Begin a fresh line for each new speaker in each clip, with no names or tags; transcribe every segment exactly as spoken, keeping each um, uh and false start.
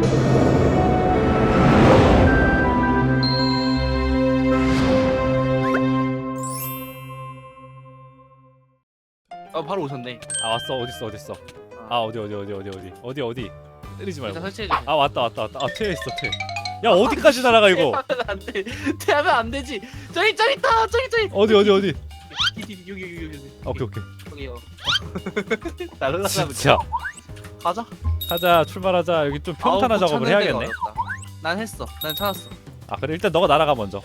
어 바로 오셨네.
아 왔어. 어딨어 어딨어. 아 어디 어디 어디 어디 어디 어디 어디 때리지 말고.
일단 설치해줘.
아 왔다 왔다 왔다. 아 퇴했어 퇴. 야 어디까지 날아가 이거.
퇴하면 안 돼. 퇴하면 안 되지. 저기 저기 있다. 저기 저기.
어디 어디 어디.
여기 여기 여기 여기.
아, 오케이 오케이.
저기요. 날라가면
진짜.
가자.
가자 출발하자. 여기 좀 평탄화
아우,
작업을
찾는 데가
해야겠네.
어렵다. 난 했어. 난 찾았어.
아 그래 일단 너가 날아가 먼저.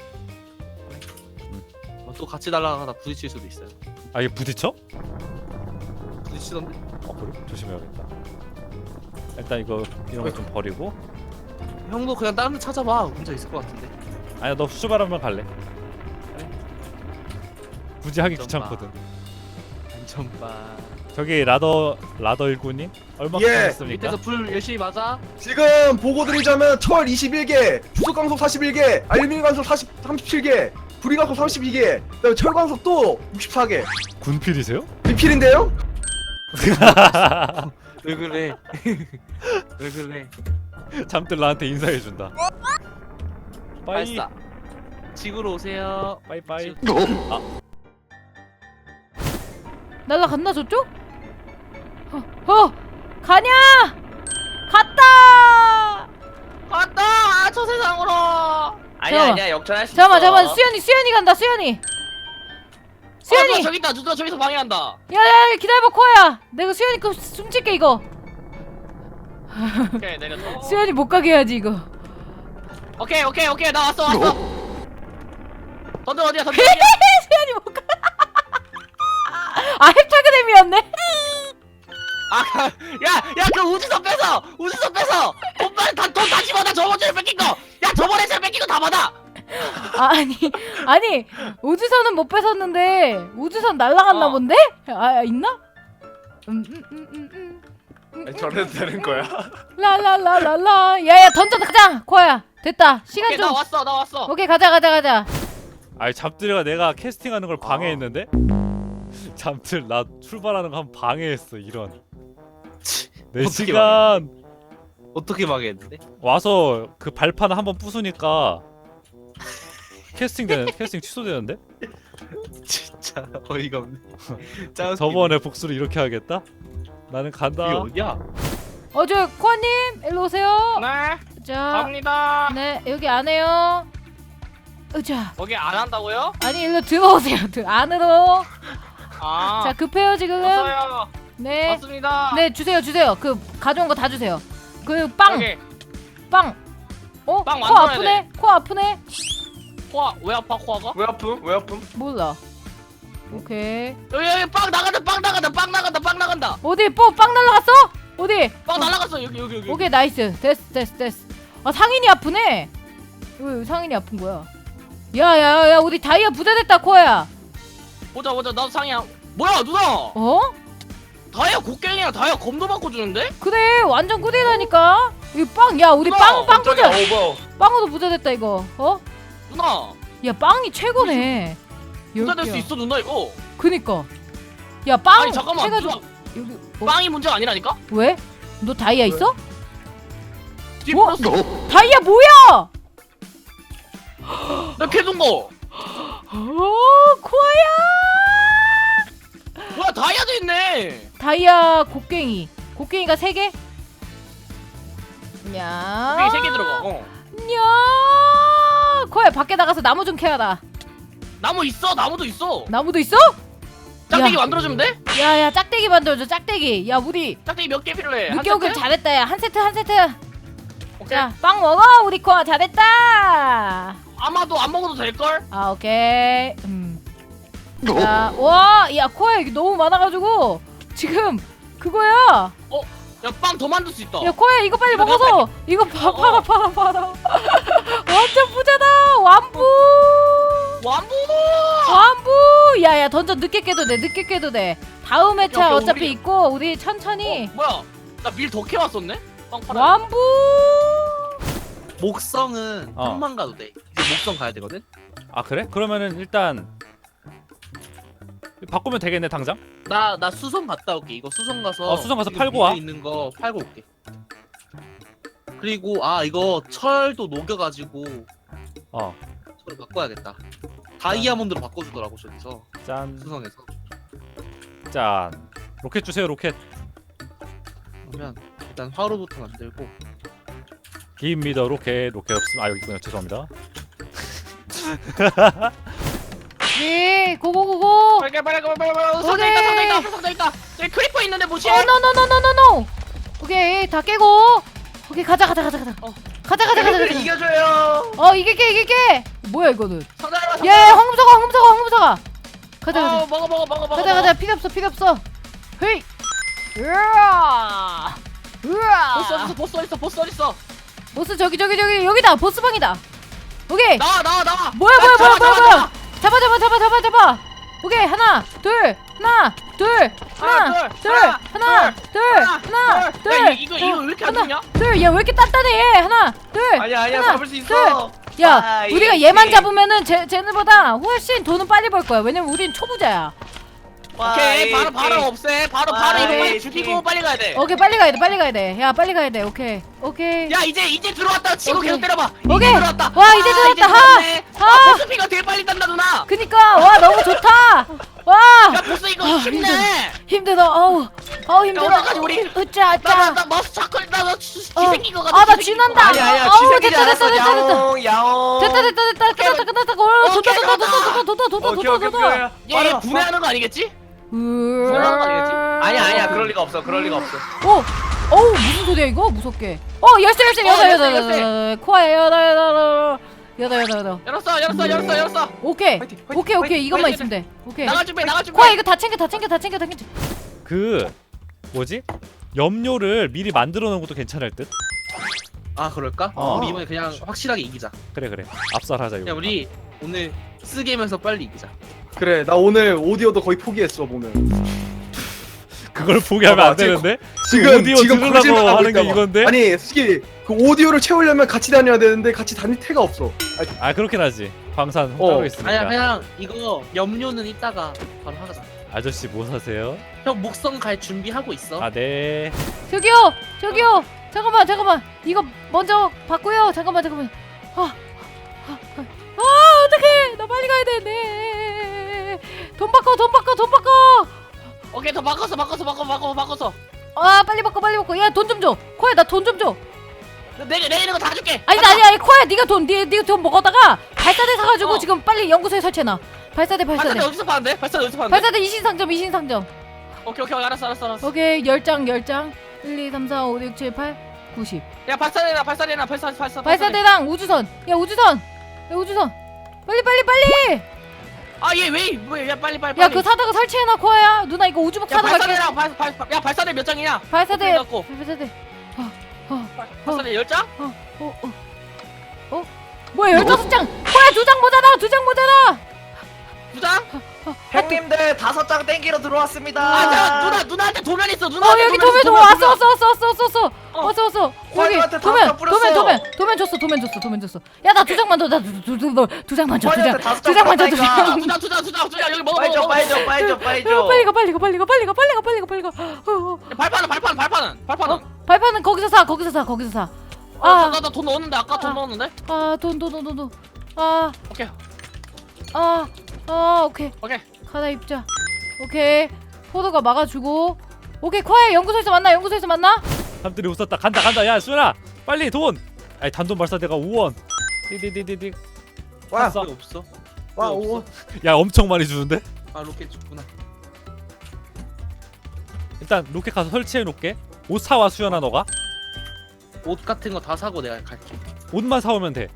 어, 또 같이 날아가다 부딪힐 수도 있어요.
아 이게 부딪혀?
부딪히던데?
어 그래? 조심해야겠다. 일단 이거 이런 거 좀 버리고.
형도 그냥 다른 데 찾아봐. 혼자 있을 것 같은데.
아니야 너 출발하면 갈래.
그래?
굳이 하기
안전바.
귀찮거든.
안전바.
저기 라더 라더 일구님 얼마큼
예.
했습니까?
밑에서 불 열심히 맞아.
지금 보고 드리자면 철 이십일 개, 주석 강속 사십일 개, 알루미늄 강속 사십, 삼십칠 개, 구리 강속 삼십이 개, 그다음에 철 강속 또 육십사 개.
군필이세요?
리필인데요?
왜 그래? 왜 그래?
잠들 나한테 인사해준다. 빠이
발사. 지구로 오세요.
빠이빠이.
날라갔나 저쪽? 어, 어 가냐? 갔다.
갔다. 아, 저 세상으로. 아니야
잠깐만.
아니야 역전할 수
잠깐만
있어.
잠깐만 수연이 수연이 간다 수연이. 수연이.
어, 저기 있다. 누나 저기서 방해한다.
야야야 기다려봐 코야. 내가 수연이 거 숨질게 이거.
오케이 내렸어.
수연이 못 가게 해야지 이거.
오케이 오케이 오케이 나 왔어 왔어. 던져 어디야 던져.
수연이 못 가. 아 햅타그댐이었네.
아, 야, 야, 그 우주선 뺏어! 우주선 뺏어! 돈 빨리 다, 돈 다시 받아! 저번 주에 뺏긴 거! 야, 저번에 제가 뺏긴 거 다 받아!
아, 아니 아니 우주선은 못 뺏었는데 우주선 날라갔나
어.
본데? 아 있나? 음, 음, 음, 음, 음, 음,
저래도 되는 거야?
라라라라라. 야야 던져 가자 코야. 됐다 시간
오케이,
좀.
나 왔어, 나 왔어!
오케이 가자 가자 가자.
아니 잠들이가 내가 캐스팅하는 걸 방해했는데? 잠들 나 출발하는 거 한 방해했어 이런. 네
어떻게
시간
어떻게 망했는데?
와서 그 발판 한번 부수니까 캐스팅 되는 캐스팅 취소되는데?
진짜 어이가 없네.
저번에 복수를 이렇게 하겠다? 나는 간다.
이게 어디야?
어저 코아님 일로 오세요.
네,
자,
갑니다.
네 여기 안에요. 으자.
거기 안 한다고요?
아니 일로 들어오세요. 들 안으로.
아,
자 급해요 지금.
왔어요.
네.
왔습니다.
네 주세요 주세요. 그 가져온 거 다 주세요. 그 빵.
여기,
빵. 어?
빵
코
만들어야
아프네. 코 아프네.
코아, 왜 아파, 코아가?
왜 아픔? 왜 아픔?
몰라. 오케이.
여기, 여기, 빵 나간다, 빵 나간다, 빵 나간다, 빵 나간다!
어디 뽀 빵 날라갔어? 어디?
빵 날라갔어, 여기, 여기, 여기.
오케이 나이스. 됐어 됐어 됐어. 아 상인이 아프네. 왜 상인이 아픈 거야? 야야야 우리 다이아 부자됐다 코야.
보자, 보자, 나도 상이야. 뭐야, 누나!
어?
다이아 곡괭이랑 다이아 검도 바꿔주는데?
그래 완전 꿀이라니까. 이 빵 야 우리
우와,
빵 빵
깜짝이야.
부자.
어, 뭐야?
빵으로 부자됐다 이거. 어?
누나!
야 빵이 최고네.
부자 될 수
여기야.
있어, 누나, 이거!
그니까. 야 빵.
아니, 잠깐만,
해가지고
누나!
여기 어?
빵이 문제가 아니라니까?
왜? 너 다이아 있어?
뒤
뭐?
플러스
다이아 뭐야?
나 캐둔 거!
오 코아야.
뭐야 다이아도 있네!
다이아 곡괭이. 곡괭이가 세 개? 야.
여기 세 개 들어가. 어.
야. 코야 밖에 나가서 나무 좀 캐라.
나무 있어, 나무도 있어.
나무도 있어?
짝대기
야.
만들어주면 돼?
야야 짝대기 만들어줘 짝대기. 야 우리
짝대기 몇 개 필요해? 한
늦게 오길
세트?
잘했다 야 한 세트 한 세트.
오케이.
자 빵 먹어 우리 코아 잘했다.
아마도 안 먹어도 될 걸?
아 오케이. 음. 자, 와, 야 코야 이게 너무 많아가지고 지금 그거야.
어, 야 빵 더 만들 수 있다.
야 코야 이거 빨리
이거
먹어서 이거 파,
어,
팔아
어.
팔아 팔아. 완전 부자다 완부.
완부!
완부. 야야 던져 늦게 깨도 돼 늦게 깨도 돼. 다음 회차
야,
어차피
우리-
있고 우리 천천히.
어, 뭐야? 나 밀 더 캐왔었네? 빵 팔아.
완부.
목성은
어.
형만 가도 돼. 이제 목성 가야 되거든?
아 그래? 그러면은 일단 바꾸면 되겠네 당장?
나, 나 수성 갔다 올게. 이거 수성 가서
어, 수성 가서
지금
팔고
밑에
와.
있는 거 팔고 올게. 그리고 아 이거 철도 녹여가지고
어,
철을 바꿔야겠다. 다이아몬드로 바꿔주더라고 저기서
짠,
수성에서.
짠. 로켓 주세요, 로켓.
그러면 일단 화로부터 만들고.
기입니다, 로켓. 로켓 없으면 아 여기 있군요. 죄송합니다.
네, 고고고고.
빨리 빨리 빨리 빨리 빨리. 상자
오케이.
있다 상자 있다 상자 있다. 저기 크리퍼 있는데 뭐지?
어, 노노노노노노노. 오케이, 다 깨고. 오케이, 가자, 가자, 가자, 가자.
어.
가자, 가자, 가자, 가자.
이겨줘요.
어, 이길게, 이길게. 뭐야 이거는?
상자 하나 상자.
예, 황금사과, 황금사과, 황금사과. 가자, 가자.
어, 먹어 먹어 먹어 먹어.
가자, 가자. 필요 없어, 필요 없어. 헤이. 으아. 으아.
보스 어딨어 보스 어딨어 보스 어딨어.
보스 저기, 저기, 저기 여기다. 보스 방이다. 오케이.
나와 나와 나와.
뭐야,
아,
뭐야, 뭐야,
잡아,
뭐야,
잡아,
뭐야. 잡아, 잡아, 잡아, 잡아, 잡아. 오케이, 하나, 둘, 하나, 둘, 하나,
하나,
둘,
둘,
하나, 둘, 하나,
둘.
둘.
야, 이거 이거 왜 이렇게 안
하나,
좋냐?
둘. 야, 왜 이렇게 단단해? 하나, 둘.
아니야 아니야
하나,
잡을 수 있어.
야,
아,
우리가
이-
얘만
이-
잡으면은 쟤 쟤네보다 훨씬 돈은 빨리 벌 거야. 왜냐면 우린 초보자야.
오케이 바로 바로 없애. 바로 바로 이거
오케이.
빨리 죽이고 빨리 가야 돼.
오케이, 빨리 가야 돼. 빨리 가야 돼. 야, 빨리 가야 돼. 오케이. 오케이.
야 이제 이제 들어왔다 치고
오케이.
계속 때려봐.
오케이.
이제 들어왔다.
와, 이제
아,
들어왔다.
들어왔네.
하.
아 보스피가 되게 빨리 딴다 누나.
그니까 와, 너무 좋다. 와!
야 보스 이거
아,
힘내.
힘들어. 어우. 어우, 힘들어.
어떡하지, 우리?
으짜, 으짜.
나나 머스 차클 나나 쥐생긴 거 같아.
아, 나
쥐생긴
쥐난다.
거.
아니야 아니야
어우,
쥐새끼지
됐다, 됐다,
않았어.
됐다, 됐다.
야옹 야옹.
됐다, 됐다, 됐다.
오케이.
끝났다, 끝났다. 어, 좋다,
오케이,
좋다, 좋다,
끝났다.
좋다, 좋다, 좋다,
오케이
좋다,
오케이
좋다.
오케이.
얘
빨리
분해하는 거 아니겠지?
분해하는
거 아니겠지?
아니야 아니야 그럴 리가 없어 그럴 리가 없어.
오! 어우, 무슨 소리야 이거? 무섭게. 어, 열쇠, 열쇠,
어,
여덟,
열쇠,
여덟,
열쇠.
여덟. 코아에 여덟, 여덟, 여덟. 여덟, 여덟, 여덟.
열었어 열었어 열었어 열었어.
오케이.
화이팅, 화이팅,
오케이, 오케이.
화이팅,
이것만
화이팅.
있으면 돼. 오케이.
나갈 준비 나갈 준비.
코아 이거 다 챙겨, 다 챙겨, 다 챙겨, 다 챙겨.
그 뭐지? 염료를 미리 만들어 놓은 것도 괜찮을 듯.
아 그럴까?
어.
우리 이번에 그냥 확실하게 이기자.
그래 그래. 압살하자 이거.
야 우리 오늘 쓰게임에서 빨리 이기자.
그래 나 오늘 오디오도 거의 포기했어 보면.
그걸 포기하면 안
봐봐, 지금
되는데?
지금
오디오
지금
들으려고
거짓말 하고
하는 게
있다 봐.
이건데?
아니 솔직히 그 오디오를 채우려면 같이 다녀야 되는데 같이 다닐 태가 없어. 아,
아 그렇긴 하지. 광산
어.
따로 있으니까.
아니야 그냥 이거 염료는 이따가 바로 하자.
아저씨 뭐 사세요?
형 목성 갈 준비하고 있어.
아 네.
저기요, 저기요. 잠깐만, 잠깐만. 이거 먼저 받고요. 잠깐만, 잠깐만. 아, 아, 아, 아 어떡해. 나 빨리 가야 되네. 돈 바꿔, 돈 바꿔, 돈 바꿔.
오케이 더 바꿔서 바꿔서 바꿔 바꿔 바꿔서.
아, 빨리 바꿔, 빨리 바꿔. 야, 돈 좀 줘. 코야, 나 돈 좀 줘.
내가 내리는 거 다 줄게.
아니, 아니, 아니, 코야, 네가 돈, 네, 네가 돈 먹었다가 발사대 사가지고
어.
지금 빨리 연구소에 설치해놔. 발사대, 발사대.
발사대 어디서 파는데? 발사대 어디서 파는데?
발사대 이신상점, 이신상점.
오케이 오케이 알았어 알았어 알았어.
오케이, 열 장, 열 장. 일, 이, 삼, 사, 오, 육, 칠, 팔, 구십.
야 발사대나 발사대나 발사 발사.
발사대랑 우주선. 야, 우주선. 야, 우주선. 빨리, 빨리, 빨리.
아얘 왜? 뭐야 빨리 빨리.
야,
빨리.
그 사다가 설치해놔, 코아야. 누나 이거 우주복
야
사러 갈게.
발사대랑 발, 발, 발, 야 발사대 몇 장이냐?
발사대.
갖고.
발사대. 어, 어,
발사대 열 장?
어, 어, 어. 어? 뭐야, 열다섯 장. 코아야, 두 장 모자라, 두 장 모자라.
두 장?
형님들 다섯 장 땡기러 들어왔습니다.
아 자, 누나 누나한테 도면 있어.
어,
누나한테
여기
도면
도면 좀
있어,
왔어,
도면.
왔어, 왔어, 왔어, 왔어, 왔어.
어.
왔어, 왔어. 여기
코아한테
도면,
다섯 장 뿌렸어.
도면, 도면, 도면 줬어, 도면 줬어, 도면 줬어. 야, 나 두 장만 더, 나두두 장만 줘, 두 장,
코아한테 다섯
두
장
장만 줘, 두
뿌렸다니까.
장.
두 장, 두 장, 두 장, 두 장. 여기 먹어,
빨리 줘
먹어,
빨리
먹어.
줘 빨리 줘 빨리
어,
줘.
빨리 가, 빨리 가, 빨리 가, 빨리 가, 빨리 가, 빨리 가, 빨리 가. 어, 어.
야, 발판은, 발판, 발판은, 발판은.
어, 발판은 거기서 사, 거기서 사, 거기서 사.
아,
아,
나, 나 돈 넣었는데 아까 돈
아.
넣었는데.
아, 돈, 돈, 돈, 돈, 돈. 아,
오케이,
아, 아, 오케이.
오케이.
가다 입자. 오케이. 포도가 막아주고. 오케이, 코아야 연구소에서 만나, 연구소에서 만나.
사람들이 웃었다. 간다 간다. 야 수연아 빨리 돈. 아니 단돈 발사대가 오 원. 디디디디디.
와,
샀어.
왜 없어?
와,
왜
오.
없어?
야 엄청 많이 주는데?
아 로켓 줬구나.
일단 로켓 가서 설치해 놓게. 옷 사와 수연아 너가.
옷 같은 거 다 사고 내가 갈게.
옷만 사오면 돼.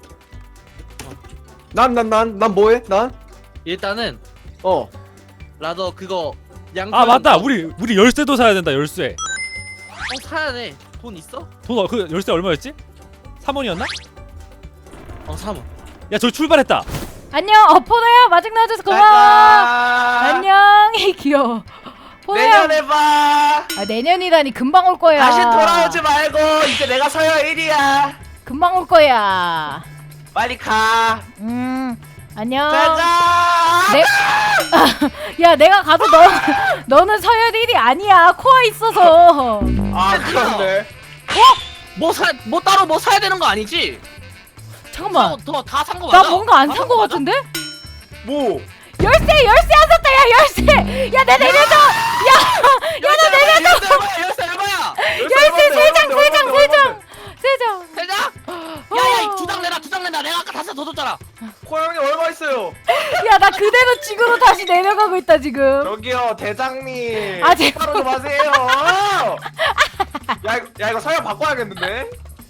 난 난 난 난 뭐해? 난?
일단은
어.
라더 그거 양.
아 맞다. 우리 우리 열쇠도 사야 된다. 열쇠.
어 사야 돼. 돈 있어?
돈 그 열쇠 얼마였지? 삼 원이었나?
어 삼 원.
야 저기 출발했다.
안녕. 어, 포도야 마중 나와줘서 고마워. 안녕. 귀여워. 포도야.
내년에 봐.
아, 내년이라니 금방 올 거야.
다시 돌아오지 말고 이제 내가 서열 일 위야.
금방 올 거야.
빨리 가.
음. 안녕.
가자.
네. 야, 내가 가도 너 너는 서열 일 위 아니야. 코아 있어서.
아 그런데.
뭐 사, 뭐 따로 뭐 사야 되는 거 아니지?
잠깐만.
더다 산 거 맞아?
나 뭔가 안
다
산
산
거
거 맞아?
같은데?
뭐?
열쇠 열쇠 안 샀다 야 열쇠. 야 내 내려줘.
열쇠 내려줘. 열쇠 얼마야?
열쇠 세 장 세 장 세 장 세 장.
세 장? 야야 두 장 내놔 두 장 내놔. 내가 아까 다섯 더 줬잖아.
고양이 얼마 있어요?
야 나 그대로 지구로 다시 내려가고 있다 지금.
저기요 대장님.
아, 제발.
바로 좀 하세요. 야 이거 야 이거 서열 바꿔야겠는데?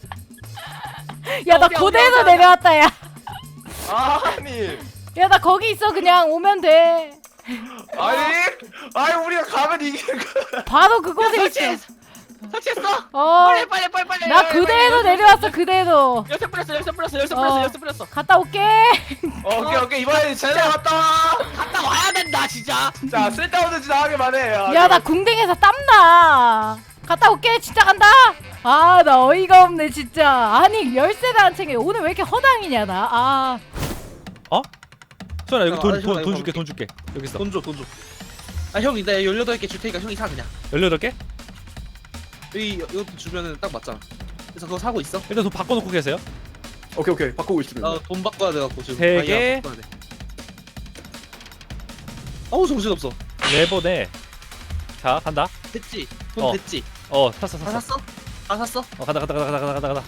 야 나
오케이,
고대에서
오케이, 오케이.
내려왔다 야.
아니
야 나 거기 있어 그냥 오면 돼.
아니 아니 우리가 가면 이기는 거.
바로 그곳에
설치했어.
있어.
설치했어.
어.
빨리 빨리 빨리 빨리.
나 그대로 내려왔어 그대로.
열쇠 뿌렸어 열쇠 뿌렸어 열쇠
어.
뿌렸어 열쇠 뿌렸어.
갔다 올게.
어, 오케이 오케이 이번엔 진짜 갔다 와.
갔다 와야 된다 진짜.
자 쓸데없는 짓 하기만 해.
야 나 궁뎅이에서 땀나. 갔다 올게 진짜 간다. 아 나 어이가 없네 진짜. 아니 열쇠를 안 챙겨. 오늘 왜 이렇게 허당이냐 나. 아.
수현아 여기
아,
돈,
잠깐만,
돈, 돈
이거
줄게 돈 줄게 여기 있어
돈 줘, 돈 줘. 아, 형이 나 열여덟 개 줄 테니까 형이 사 그냥.
열여덟 개?
여기 이것도 주면은 딱 맞잖아. 그래서 그거 사고 있어.
일단 돈 바꿔놓고 계세요
오케이 오케이 바꾸고 있습니다.
나 돈 바꿔야 돼 갖고 지금.
세
다이아
개.
바꿔야 돼. 어우 정신 없어.
네 번에 자 간다
됐지? 돈
어.
됐지?
어 샀어
다
샀어
샀어? 다 샀어?
어 간다 간다 간다 간다 간다 간다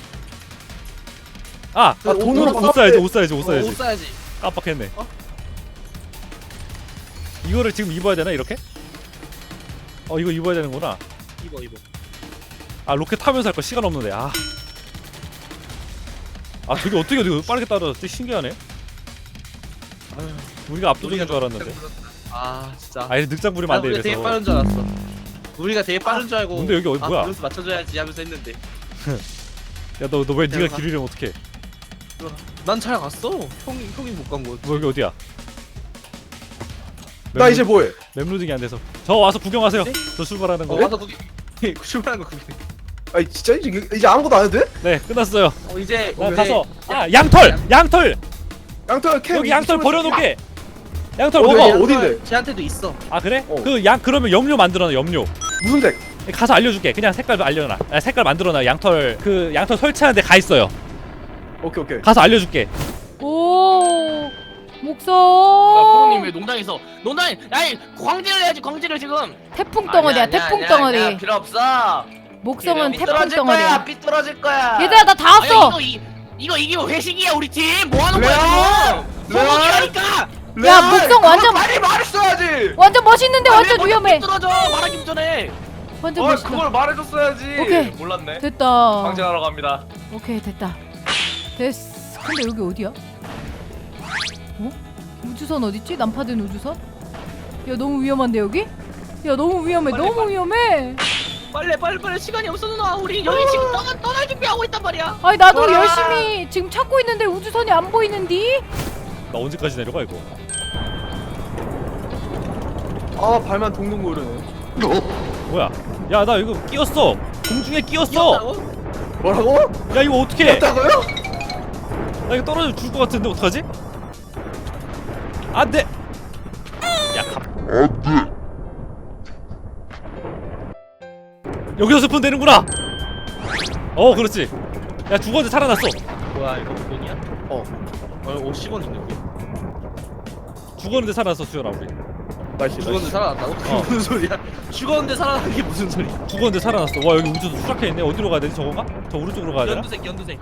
아!
그
아,
옷-
돈으로
옷-
옷 사야지 옷 사야지 옷
어,
사야지
옷 사야지.
깜빡했네
어?
이거를 지금 입어야 되나 이렇게? 어 이거 입어야 되는구나
입어 입어.
아 로켓 타면서 할 거 시간 없는데 아. 아 저게 어떻게 어떻게 빠르게 따라졌지? 신기하네
아유,
우리가 압도적인 줄 알았는데
아 진짜.
아 이래 늑장 부리면
아,
안돼
우리가 되게
이래서
빠른 줄 알았어. 우리가 되게 빠른 줄 알고.
근데 여기 어디
아,
뭐야?
밸런스 맞춰줘야지 하면서 했는데.
야 너 너 왜 네가
내가
길이려면 어떡해
난 잘 갔어. 형이 형이 못 간 거야.
뭐 여기 어디야?
나 이제 뭐해?
맵로딩이 안 돼서 저 와서 구경하세요
네?
저 출발하는
어
거
와서 그게 출발한 거 그게.
아니 진짜 이제, 이제 아무것도 안 해도 돼?
네 끝났어요
어 이제
나
우리-
가서 아 양털! 양털!
양털 캠
여기 양털
이쪽으로-
버려놓게 양털
어디,
먹어
어디? 어딘데?
쟤한테도 있어.
아 그래?
어.
그 양 그러면 염료 만들어놔 염료
무슨 색?
가서 알려줄게 그냥 색깔 알려놔 아, 색깔 만들어놔 양털 그 양털 설치하는데 가 있어요
오케이 오케이.
가서 알려줄게
오. 목성.
프로님 왜 농장에서 농장 아니 광질을 해야지 광질을 지금.
태풍 덩어리야
아니야,
태풍
아니야,
덩어리.
아니야, 필요 없어.
목성은
삐-
태풍
삐뚤어질
덩어리야.
거야 삐뚤어질 거야.
얘들아 나 다
아니,
왔어.
이거 이, 이거 이기면 회식이야 우리 팀. 뭐 하는
레알!
거야 지금?
레알!
소고기라니까.
야, 목성 완전-
빨리 말했어야지.
완전 멋있는데 완전
아니, 먼저
위험해.
삐뚤어져 말하기 전에.
완전
어
멋있다.
그걸 말해줬어야지.
오케이.
몰랐네.
됐다.
방진하러 갑니다.
오케이 됐다. 됐어. 근데 여기 어디야? 어? 우주선 어딨지? 난파된 우주선? 야 너무 위험한데 여기? 야 너무 위험해.
빨리,
너무
빨리.
위험해.
빨리 빨리 빨리 시간이 없어 누나. 우리 여기 지금 떠날 떠날 준비하고 있단 말이야.
아니 나도
돌아.
열심히 지금 찾고 있는데 우주선이 안 보이는디?
나 언제까지 내려가 이거
아 발만 동동 구르네.
뭐야 야 나 이거 끼었어 공중에 끼었어
귀엽다고?
뭐라고?
야 이거 어떡해
했다고요?
나 이거 떨어지면 죽을 것 같은데 어떡하지? 안돼 야 가... 여기서 스폰 되는구나 어 그렇지 야 죽었는데 살아났어
뭐야 이거 돈이야?
어.
어 오십 원 있네 우리.
죽었는데 살아났어 수현아 우리
나이스.
죽었는데
나이스.
살아났다고?
어.
무슨 소리야? 죽었는데 살아난 게 무슨 소리야?
죽었는데 살아났어 와 여기 우주선 추락해있네 어디로 가야 되지 저건가? 저 오른쪽으로 가야 되나?
연두색 연두색.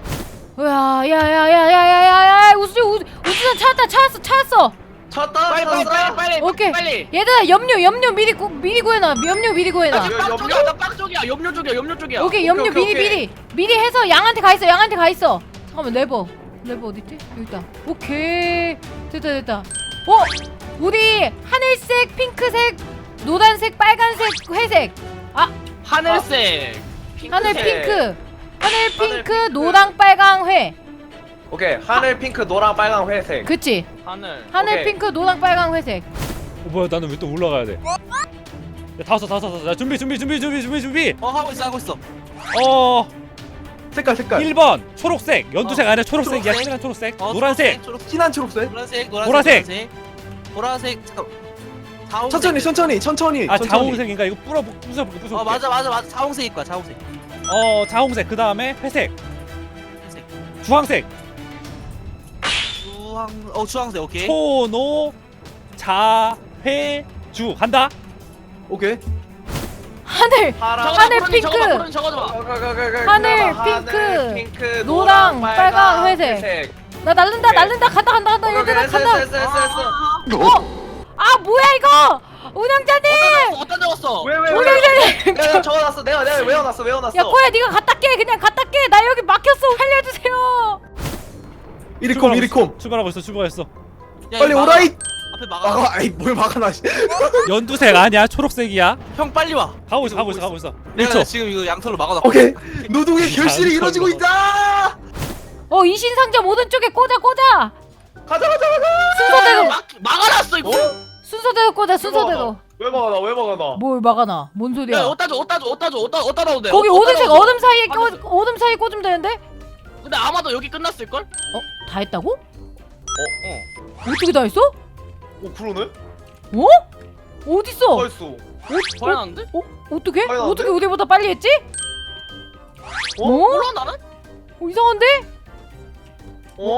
야야야야야야야야 우주 우주 우주선 찾았다 찾았어 찾았어.
찾았다.
빨리 빨리
찾았어.
빨리 빨리
오케이.
빨리.
얘들아 염료 염료 미리 구, 미리 구해놔. 염료 미리
나
구해놔.
지금 빵 쪽이야 나빵 쪽이야 염료 쪽이야 염료 쪽이야.
오케이 염료
오케이,
미리
오케이.
미리 미리 해서 양한테 가 있어 양한테 가 있어. 잠깐만 레버 레버 어딨지? 여기 있다. 오케이 됐다 됐다. 어 우리 하늘색 핑크색 노란색 빨간색 회색
하늘색.
하늘
핑크색.
핑크 하늘 핑크
핑크.
노랑 빨강 회
오케이 하늘 핑크 노랑 빨강 회색.
그치
하늘.
하늘
오케이.
핑크 노랑 빨강 회색.
어 뭐야 나는 왜 또 올라가야 돼? 야, 다 왔어 다 왔어 다 왔어 야, 준비 준비 준비 준비 준비 준비
어 하고 있어 하고 있어.
어
색깔 색깔.
일 번 초록색 연두색
어.
아니야 초록색이야
초록색?
진한 초록색
어,
노란색
초록색,
진한 초록색.
노란색 노란색
보라색.
노란색 보라색 잠깐. 자홍색.
천천히 천천히 천천히.
아
천천히.
자홍색인가 이거 뿌려 부숴볼게 부숴볼게
어 맞아 맞아 맞아 자홍색일 거야 자홍색.
어 자홍색 그 다음에 회색
회색.
주황색
주황 어 주황색 오케이.
초노 자회주 간다.
오케이.
하늘
파랑.
하늘
저거다,
핑크.
저거다, 저거다, 저거다.
하늘, 핑크,
핑크,
노랑, 빨강, 회색. 나 날른다
오케이.
날른다 간다 간다 간다 얘들아
했어,
간다.
했어, 했어, 했어.
어? 아 뭐야 이거? 운영자님!
어디다 적었어?
왜, 왜, 왜?
운영자님!
내가 적어놨어. 내가 내가 외워놨어. 외워놨어.
야 코야 네가 갖다 깨 그냥 갖다 깨. 나 여기 막혔어. 살려주세요.
이리콤 이리콤.
출발하고 있어 출발했어.
야,
빨리
이거
오라이.
앞에 막아.
막아. 아이 뭘 막아놔. 씨.
연두색 아니야 초록색이야.
형 빨리 와.
가고 있어 가고 있어 가고 있어.
내가
일 초.
지금 이거 양털로 막아놨고.
오케이. 노동의 결실이 이루어지고 있다.
어 이신상점 오른쪽에 꽂아 꽂아.
가자 가자 가자.
순서대로
막 막아놨어 이거.
순서대로 꽂아 순서대로.
왜 막아놔? 왜 막아놔?
뭘 막아놔? 뭔 소리야?
야 어디다 줘, 어디다 줘, 어디다 줘, 어디다 어디다 넣으면 돼.
거기
어디다
오른색
넣어줘.
어둠 사이에 껴
알았어.
어둠 사이에 꽂으면 되는데?
근데 아마도 여기 끝났을 걸?
어? 다 했다고?
어 어.
어떻게 다 했어?
오 그러네.
어? 어딨어?
벌써.
거의 나는데?
어? 어떻게?
빨리 나왔네?
어떻게 우리보다 빨리 했지?
어?
어?
몰라 나는?
어, 이상한데?
어?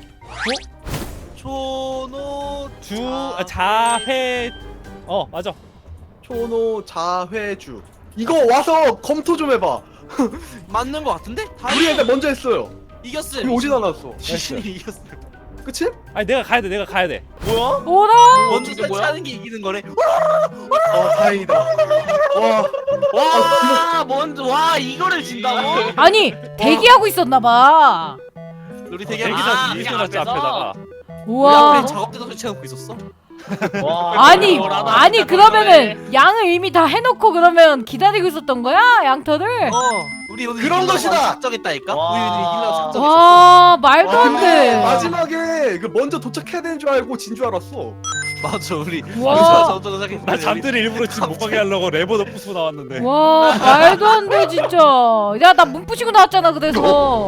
초노
주 아, 자회 어 맞아.
초노 자회주. 이거 와서 검토 좀 해봐.
맞는 거 같은데? 다
우리 애들 먼저 했어요.
이겼어.
우리 오진 않았어.
귀신이 이겼어.
그치?
아니 내가 가야 돼 내가 가야 돼.
뭐야?
뭐라?
먼저
이게 뭐야?
설치하는 게 이기는 거래.
어 다행이다. 와.
와 먼저 와 이거를 진다고?
아니 대기하고 있었나봐.
우리
아,
되게
그냥
대기사지 있어놨지
앞에서?
앞에다가.
우리
우와.
앞에 작업대도 설치해놓고 있었어.
와.
아니
뭐라도
아니
진짜
그러면은 양을 이미 다 해놓고 그러면 기다리고 있었던 거야 양털을?
어. 우리 오늘
그런
이기려고
것이다!
작정했다니까.
와.
우리 오늘 이기려고 작정했어.
와 말도
와,
안
근데
돼.
마지막에 그 먼저 도착해야 되는 줄 알고 진 줄 알았어.
맞아 우리.
와.
맞아 작정했어.
나 잠들이 일부러 집 못 가게 하려고 레버도 부수고 나왔는데.
와 말도 안 돼 진짜. 야 나 문 부시고 나왔잖아 그래서.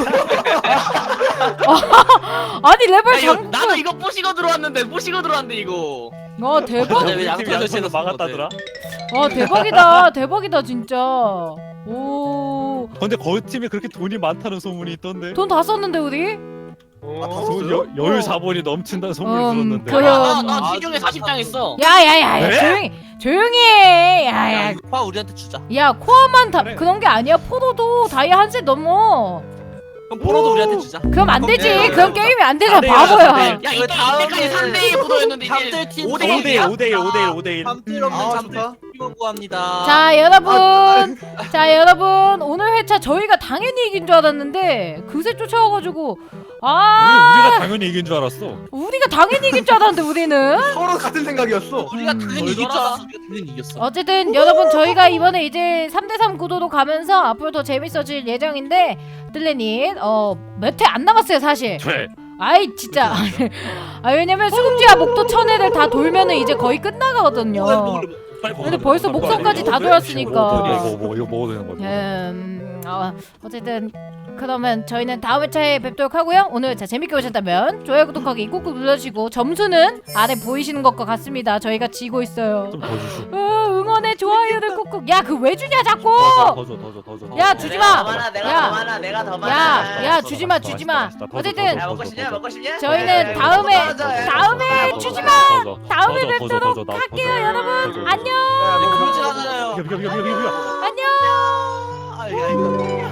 아니 레벨
야, 이거,
장.
나도 이거 부시고 들어왔는데 부시고 들어왔는데 이거.
와 대박.
왜
우리
양털
팀 양털로
설치해놨어,
막았다더라.
와 대박이다 대박이다 진짜. 오.
근데 거기 팀에 그렇게 돈이 많다는 소문이 있던데.
돈 다 썼는데 우리?
아, 다
돈
썼어요?
여, 여유 자본이 넘친다는 소문을
음,
들었는데.
그래.
나, 나
아,
지경에 사십 장 했어.
야야야
네?
조용히 조용히 해.
야,
야야.
이거 화 우리한테 주자.
야 코어만 다
그래.
그런 게 아니야. 포도도 다이아 한 세 넘어.
그럼 번호도 우리한테 주자.
그럼 안 되지.
네,
그럼
네,
게임이 안 되잖아
안 돼요,
바보야.
안 돼요.
야
이거
이때
다음에
이때까지 삼 대 일 구도였는데
잠들
이제
팀
오 대
오 대 일
일이야?
오 대 일 오 대 일 오 대 일.
잠들 없는
아,
잠들
좋다.
팀원 구합니다.
자 여러분 자 여러분 오늘 회차 저희가 당연히 이긴 줄 알았는데 그새 쫓아와가지고 아
우리, 우리가 당연히 이긴 줄 알았어.
우리가 당연히 이길 줄 알았는데 우리는
서로 같은 생각이었어.
우리가
음,
당연히 이길 줄 알았어. 우리가 당연히 이겼어.
어쨌든 여러분 저희가 이번에 이제 삼 대 삼 구도로 가면서 앞으로 더 재밌어질 예정인데 뜰레님 어몇 회 안 남았어요 사실.
돼.
아이 진짜 아 왜냐면 수금지와 목도 천회를 다 돌면은 이제 거의 끝나가거든요. 근데 벌써 목선까지 다 돌았으니까.
뭐, 뭐, 이거 먹어도 되는 거지.
음, 어, 어쨌든 그러면 저희는 다음 회차에 뵙도록 하고요. 오늘 회차 재밌게 보셨다면 좋아요 구독하기 꾹꾹 눌러주시고 점수는 아래 보이시는 것과 같습니다. 저희가 지고 있어요.
좀 더 주시오.
어, 응원해 좋아요를 꾹꾹. 야 그 왜 주냐 자꾸.
더 줘, 더 줘, 더 줘. 더
야,
줘.
주지 마.
내가 더 많아 내가
야.
더 많아 내가 더 많아.
야, 야
맛있다,
주지 마,
맛있다,
주지 마.
맛있다, 맛있다. 더 줘,
어쨌든
더 줘,
야
더
먹고
줘,
싶냐
더 줘.
먹고 싶냐?
저희는
야,
다음에
먹고 싶냐?
다음에
더 줘,
주지
더
마.
줘, 더 줘.
다음에
더 줘, 더 줘,
뵙도록
더 줘, 더 줘,
할게요,
더 줘.
여러분.
더 줘.
안녕.
그러지 않아요.
비켜, 비켜, 비켜, 비켜, 비켜.
안녕.
아, 야, 이거.